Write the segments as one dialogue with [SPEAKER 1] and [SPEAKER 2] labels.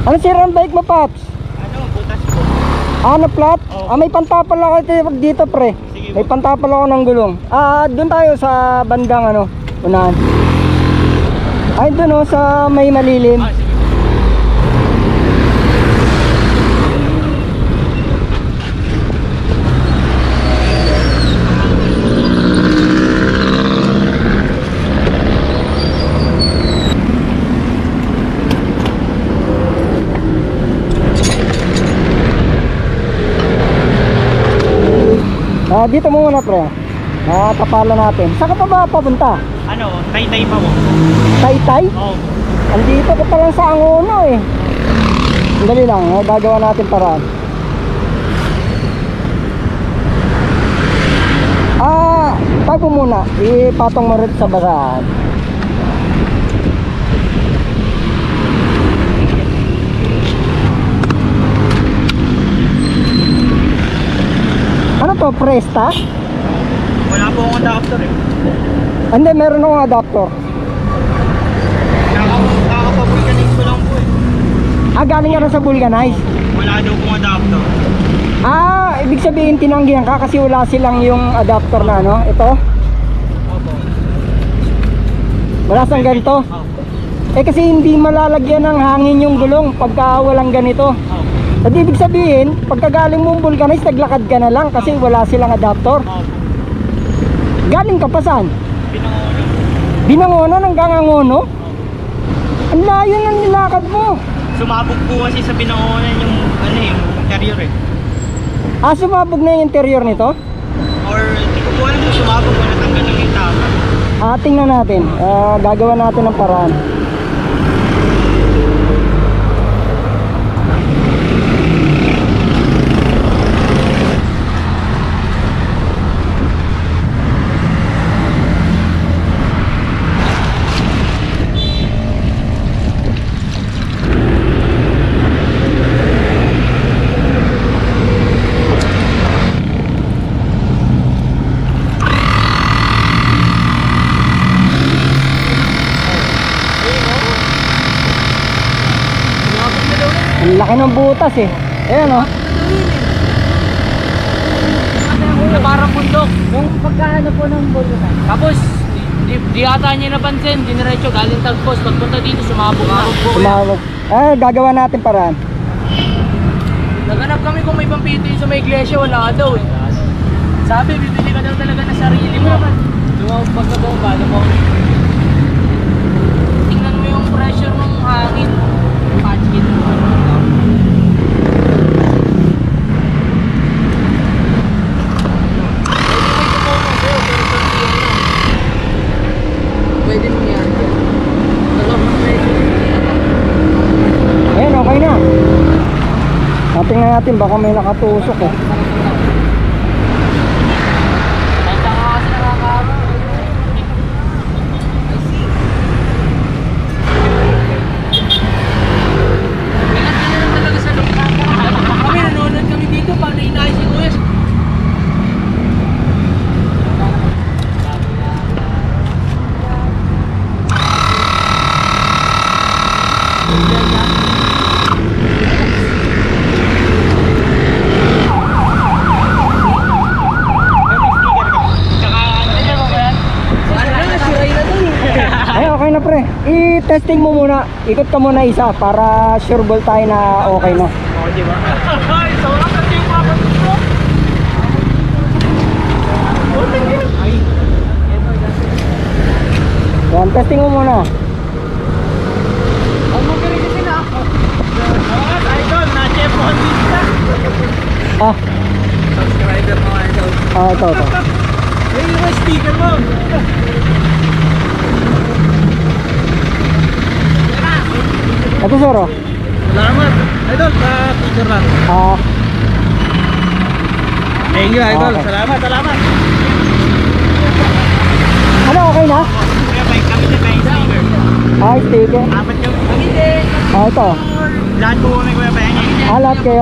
[SPEAKER 1] Ano sira ang bike mo, Paps?
[SPEAKER 2] Ano, butas po.
[SPEAKER 1] Ano, flat?
[SPEAKER 2] Oo.
[SPEAKER 1] May pantapal ako dito, pre.
[SPEAKER 2] Sige
[SPEAKER 1] May
[SPEAKER 2] po.
[SPEAKER 1] pantapal ako ng gulong. Doon tayo sa bandang ano, unahan. Ay, doon sa may malilim.
[SPEAKER 2] Sige po.
[SPEAKER 1] Dito muna, pre. Tapalan natin. Saan ka pa ba papunta?
[SPEAKER 2] Ano, tay-tay pa po.
[SPEAKER 1] Taytay?
[SPEAKER 2] Oo.
[SPEAKER 1] Andito ka pa lang sa Angono eh. Dali lang, gagawa natin paraan. Tago muna. Ipatong mo rin sa basahan. Ano to, Presta?
[SPEAKER 2] Wala po akong adapter eh.
[SPEAKER 1] Hindi, meron akong adapter.
[SPEAKER 2] Nakakapag-organize ko lang po eh.
[SPEAKER 1] Galing ka rin sa Vulcanize.
[SPEAKER 2] Wala daw pong adapter.
[SPEAKER 1] Ibig sabihin tinanggihan ka kasi wala silang yung adapter na ano, ito.
[SPEAKER 2] Opo.
[SPEAKER 1] Wala sang ganito.
[SPEAKER 2] Opo.
[SPEAKER 1] Kasi hindi malalagyan ng hangin yung gulong pagka walang ganito.
[SPEAKER 2] Opo.
[SPEAKER 1] At ibig sabihin, pagkagaling mong Vulcanize, naglakad ka na lang kasi wala silang adapter.
[SPEAKER 2] Opo.
[SPEAKER 1] Galing ka pa saan?
[SPEAKER 2] Binangonan.
[SPEAKER 1] Binangonan hanggang Angono? Ang layo ng nilakad mo.
[SPEAKER 2] Sumabog po kasi sa binangonan yung ano eh, yung carrier eh.
[SPEAKER 1] Sumabog na yung interior nito?
[SPEAKER 2] Or hindi ko po alam kung sumabog o natanggal lang yung tama.
[SPEAKER 1] Tingnan natin. Gagawa natin ng paraan. Ang laki ng butas eh. Ayan o.
[SPEAKER 2] Na parang bundok.
[SPEAKER 1] Yung pagkaano po ng bulutan.
[SPEAKER 2] Tapos, di ata niya napansin, diniretso galing Tagpos. Pagpunta dito, sumabog na.
[SPEAKER 1] Sumabog. Gagawa natin paraan.
[SPEAKER 2] Naghanap kami kung may pampito sa may iglesia, wala daw eh. Sabi, bibili ka daw talaga na sarili mo. Lumabog pag nabomba, tingnan mo yung pressure ng hangin. Patch it. Pwede mo yan.
[SPEAKER 1] Ayan, okay na. Tingnan natin, baka may nakatusok eh.
[SPEAKER 2] Basta nga kasi nakakaro. Kailan na talaga sa loob. Kami nanonood kami dito, paano inayos si Kuya?
[SPEAKER 1] Ay, okay na pre. I-testing mo muna. Ikot ka muna isa para sure ball tayo na okay na.
[SPEAKER 2] Oo, di ba? Ay, sobrang kasi yung papalit ko. Ay,
[SPEAKER 1] Yan, testing mo muna.
[SPEAKER 2] ang magaling kasi na ako. Mga idol, na-chef on pizza. Subscriber mga idol.
[SPEAKER 1] Ito.
[SPEAKER 2] Yung sticker mo.
[SPEAKER 1] Ito sir, oh.
[SPEAKER 2] Salamat. Idol, sa picture lang. Thank you, idol.
[SPEAKER 1] Okay.
[SPEAKER 2] Salamat.
[SPEAKER 1] Ano, okay na?
[SPEAKER 2] Kaya may kami na kayo sticker.
[SPEAKER 1] Sticker.
[SPEAKER 2] Apat kami din.
[SPEAKER 1] Ito.
[SPEAKER 2] Lahat po kami kuya pa yan.
[SPEAKER 1] Lahat kayo?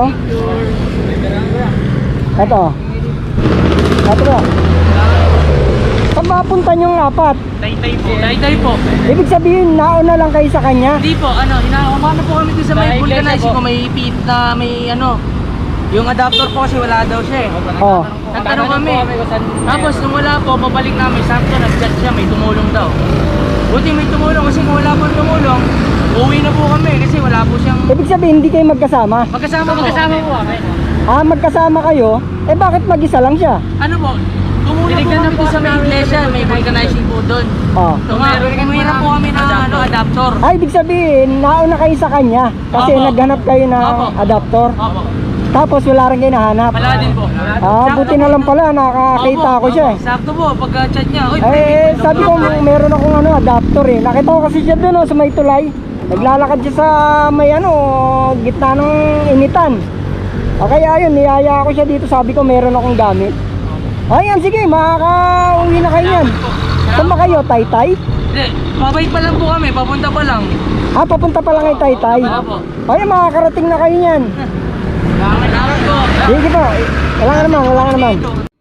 [SPEAKER 1] Ito. Ito ba? Saan mapunta yung apat?
[SPEAKER 2] Taytay po. Taytay po.
[SPEAKER 1] Ibig sabihin, nauna lang kayo sa kanya?
[SPEAKER 2] Hindi po, inaumano po kami dun sa may vulcanizing ko, may pit na may yung adapter po kasi wala daw siya eh.
[SPEAKER 1] Oh.
[SPEAKER 2] Nagtanong kami. Tapos nung wala po, babalik namin, sakto nag-chat siya, may tumulong daw. Buti may tumulong kasi kung wala po tumulong, uwi na po kami kasi wala po siyang...
[SPEAKER 1] Ibig sabihin, hindi kayo magkasama?
[SPEAKER 2] Magkasama po kami.
[SPEAKER 1] Ah, magkasama kayo? Eh bakit mag-isa lang siya?
[SPEAKER 2] Ano po, tumulong po kami dun sa may iglesia, may vulcanizing po doon.
[SPEAKER 1] Oh.
[SPEAKER 2] Tumira po kami na adapter.
[SPEAKER 1] Ay, ibig sabihin, nauna kayo sa kanya kasi
[SPEAKER 2] Opo.
[SPEAKER 1] naghanap kayo ng
[SPEAKER 2] Opo.
[SPEAKER 1] adapter.
[SPEAKER 2] Opo.
[SPEAKER 1] Tapos wala rin kayo nahanap.
[SPEAKER 2] Wala din po.
[SPEAKER 1] Ah, buti na lang pala, nakakita ako siya eh.
[SPEAKER 2] Sakto po, pagka-chat niya, oy,
[SPEAKER 1] Eh, sabi ko, meron akong adapter eh. Nakita ko kasi siya doon sa may tulay. Naglalakad siya sa may gitna ng initan. Kaya ayun, niyaya ako siya dito. Sabi ko, meron akong gamit. Ayan, sige, makaka-uwi na kayo yan. Saan ba kayo, Taytay?
[SPEAKER 2] Hindi, babay pa lang po kami, papunta pa lang.
[SPEAKER 1] Ah, papunta pa lang kay Taytay.
[SPEAKER 2] Opo.
[SPEAKER 1] Ayan, makakarating na kayo yan.
[SPEAKER 2] Kailangan po.
[SPEAKER 1] Sige po, wala nga naman.